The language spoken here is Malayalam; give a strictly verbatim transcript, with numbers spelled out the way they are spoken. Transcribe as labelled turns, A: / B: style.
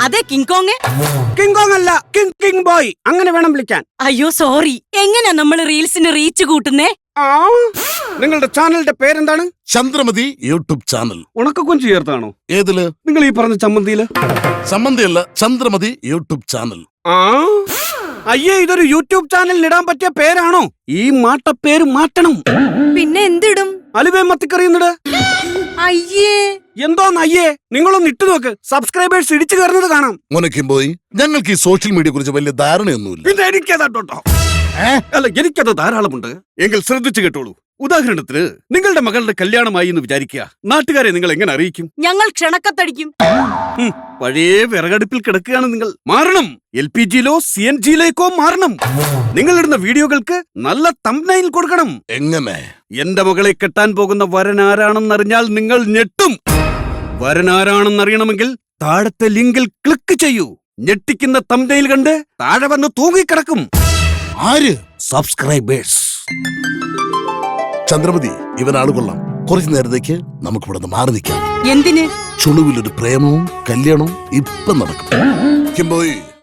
A: അതെ കിങ്കോങ്.
B: കിങ്കോങ് അല്ല, കിങ് കിങ് ബോയ് അങ്ങനെ വേണം വിളിക്കാൻ.
A: അയ്യോ സോറി. എങ്ങനെയാ നമ്മൾ റീൽസിന് റീച്ച് കൂട്ടുന്നേ?
B: ആ നിങ്ങളുടെ ചാനലിന്റെ പേരെന്താണ്?
C: Chandramathi YouTube channel.
B: ഉണക്കൊഞ്ചു ചേർത്താണോ?
C: ഏതില്?
B: നിങ്ങൾ ഈ പറഞ്ഞ ചമ്മന്തിയില്.
C: ചമ്മന്തിയല്ല, ചന്ദ്രമതി യൂട്യൂബ് ചാനൽ.
B: ആ അയ്യേ, ഇതൊരു യൂട്യൂബ് ചാനലിൽ ഇടാൻ പറ്റിയ പേരാണോ? ഈ മാട്ടപ്പേര് മാറ്റണം.
A: പിന്നെ എന്തിടും?
B: അലുവേ മത്തിക്കറിയുന്നിട്.
A: അയ്യേ
B: എന്തോന്ന് അയ്യേ? നിങ്ങളൊന്ന് ഇട്ടു നോക്ക്, സബ്സ്ക്രൈബേഴ്സ് ഇടിച്ചു കയറുന്നത് കാണാം.
C: മോനക്കും പോയി ഞങ്ങൾക്ക് ഈ സോഷ്യൽ മീഡിയയെ കുറിച്ച് വലിയ ധാരണയൊന്നുമില്ല.
B: പിന്നെ എനിക്കതാട്ടോ. അല്ല, എനിക്കത് ധാരാളമുണ്ട്. എങ്കിൽ ശ്രദ്ധിച്ചു കേട്ടോളൂ. ഉദാഹരണത്തിന് നിങ്ങളുടെ മകളുടെ കല്യാണമായി എന്ന് വിചാരിക്കുക. നാട്ടുകാരെ നിങ്ങൾ എങ്ങനെ അറിയിക്കും?
A: ഞങ്ങൾ ക്ഷണക്കത്തടിക്കും.
B: പഴയ വിറകടുപ്പിൽ കിടക്കുകയാണ് നിങ്ങൾ. മാറണം. എൽ പി ജിയിലോ സി എൻ ജിയിലേക്കോ മാറണം. നിങ്ങളിടുന്ന വീഡിയോകൾക്ക് നല്ല തംബ്നൈൽ കൊടുക്കണം.
C: എങ്ങനെ?
B: എന്റെ മകളെ കെട്ടാൻ പോകുന്ന വരൻ ആരാണെന്നറിഞ്ഞാൽ നിങ്ങൾ ഞെട്ടും. വരൻ ആരാണെന്നറിയണമെങ്കിൽ താഴത്തെ ലിങ്കിൽ ക്ലിക്ക് ചെയ്യൂ. ഞെട്ടിക്കുന്ന തംബ്നൈൽ കണ്ട് താഴെ വന്ന് തൂങ്ങിക്കിടക്കും.
C: ആര്?
B: സബ്സ്ക്രൈബേഴ്സ്.
C: ചന്ദ്രമതി, ഇവനാള് കൊള്ളാം. കുറച്ചു നേരത്തേക്ക് നമുക്ക് ഇവിടെ നിന്ന് മാറി നിൽക്കാം.
A: എന്തിന്?
C: ചുളുവിലൊരു പ്രേമവും കല്യാണവും ഇപ്പം നടക്കും.